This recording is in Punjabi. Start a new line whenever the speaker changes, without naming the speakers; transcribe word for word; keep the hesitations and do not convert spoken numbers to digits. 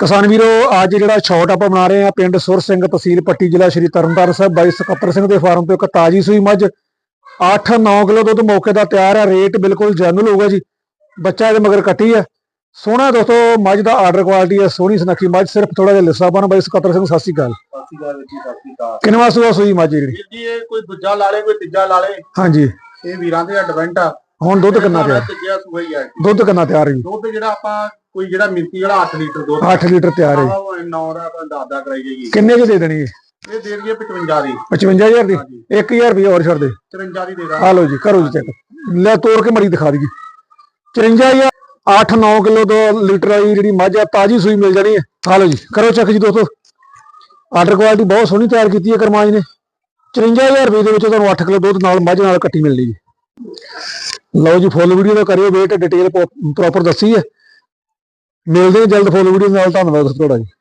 ਕਿਸਾਨ ਵੀਰੋ ਅੱਜ ਜਿਹੜਾ ਸ਼ਾਟ ਆਪਾਂ ਬਣਾ ਰਹੇ ਆ ਪਿੰਡ ਸੁਰ ਸਿੰਘ ਤਹਿਸੀਲ ਪੱਟੀ ਜ਼ਿਲ੍ਹਾ ਸ਼੍ਰੀ ਤਰਨਤਾਰਨ ਸਾਹਿਬ ਬਾਈ ਸਕੱਤਰ ਸਿੰਘ ਦੇ ਫਾਰਮ ਤੋਂ ਇੱਕ ਤਾਜੀ ਸੂਈ ਮੱਝ ਅੱਠ ਨੌ ਕਿਲੋ ਦੁੱਧ ਮੌਕੇ ਦਾ ਤਿਆਰ ਹੈ। ਰੇਟ ਬਿਲਕੁਲ ਜੈਨੂਅਲ ਹੋਊਗਾ ਜੀ। ਬੱਚਾ ਇਹਦੇ ਮਗਰ ਕੱਟੀ ਹੈ। ਸੋਹਣਾ ਦੋਸਤੋ ਮੱਝ ਦਾ ਆਰਡਰ ਕੁਆਲਿਟੀ ਹੈ। ਸੋਹਣੀ ਸੁਨੱਖੀ ਮੱਝ ਸਿਰਫ ਥੋੜਾ ਜਿਹਾ ਲਿੱਸਾ ਬਣ ਬਾਈ ਸਕੱਤਰ ਸਿੰਘ ਸਤਿ ਸ਼੍ਰੀ ਅਕਾਲ।
ਸਤਿ ਸ਼੍ਰੀ ਅਕਾਲ ਜੀ, ਸਤਿ ਸ਼੍ਰੀ ਅਕਾਲ।
ਕਿੰਨਵਾਂ ਸੂਆ ਸੂਈ ਮੱਝ ਜਿਹੜੀ
ਜੀ ਇਹ ਕੋਈ ਦੂਜਾ ਲਾ ਲੇ ਕੋਈ ਤੀਜਾ ਲਾ ਲੇ।
ਹਾਂਜੀ
ਇਹ ਵੀਰਾਂ ਦੇ ਐਡਵੈਂਟ ਆ।
ਹੁਣ ਦੁੱਧ ਕਿੰਨਾ ਤਿਆਰ
ਤੀਜਾ ਸੂਆ ਹੀ ਆ।
ਦੁੱਧ ਕਿੰਨਾ ਤਿਆਰ ਹੈ ਜੀ?
ਦੁੱਧ ਜਿਹੜਾ ਆਪਾਂ ਕੋਈ ਜਿਹੜਾ ਮਿਲਕੀ ਵਾਲਾ ਅੱਠ ਲੀਟਰ ਦੁੱਧ
ਅੱਠ ਲੀਟਰ ਤਿਆਰ ਹੈ।
ਨੌ ਦਾ ਆਪਾਂ ਦਸ ਦਾ ਕਰਾਈ ਜਾਈਏ।
ਕਿੰਨੇ ਚ ਦੇ ਦੇਣੀ ਹੈ?
ਇਹ ਦੇ ਦਈਏ ਪਚਵੰਜਾ ਦੀ।
ਪਚਵੰਜਾ ਹਜ਼ਾਰ ਦੀ ਇੱਕ ਹਜ਼ਾਰ ਰੁਪਏ ਹੋਰ ਛੱਡ ਦੇ।
ਚੁਰੰਜਾ ਦੀ ਦੇ ਦਾਂ।
ਆ ਲਓ ਜੀ ਕਰੋ ਜੀ ਚੈੱਕ ਲੈ ਤੋੜ ਕੇ ਮੜੀ ਦਿਖਾ ਦਈਏ। ਚੁਰੰਜਾ ਹਜ਼ਾਰ ਅੱਠ ਨੌ ਕਿਲੋ ਦੋ ਲੀਟਰ ਵਾਲੀ ਜਿਹੜੀ ਮੱਝ ਆ ਤਾਜੀ ਸੂਈ ਮਿਲ ਜਾਣੀ ਹੈ। ਆ ਲਓ ਜੀ ਕਰੋ ਚੈੱਕ ਜੀ ਦੋਸਤੋ। ਆਰਡਰ ਕੁਆਲਿਟੀ ਬਹੁਤ ਸੋਹਣੀ ਤਿਆਰ ਕੀਤੀ ਹੈ ਕਰਮਾਜ ਨੇ। ਚੁਰੰਜਾ ਹਜ਼ਾਰ ਰੁਪਏ ਦੇ ਵਿੱਚ ਤੁਹਾਨੂੰ ਅੱਠ ਕਿਲੋ ਦੁੱਧ ਨਾਲ ਮੱਝ ਨਾਲ ਕੱਟੀ ਮਿਲਣੀ ਜੀ। ਲਓ ਜੀ ਫੁੱਲ ਵੀਡੀਓ ਦਾ ਕਰਿਓ ਵੇਟ, ਡਿਟੇਲ ਪ੍ਰੋਪਰ ਦੱਸੀ ਹੈ। ਮਿਲਦੇ ਜਲਦ ਫੁੱਲ ਵੀਡੀਓ ਨਾਲ। ਧੰਨਵਾਦ ਤੁਹਾਡਾ ਜੀ।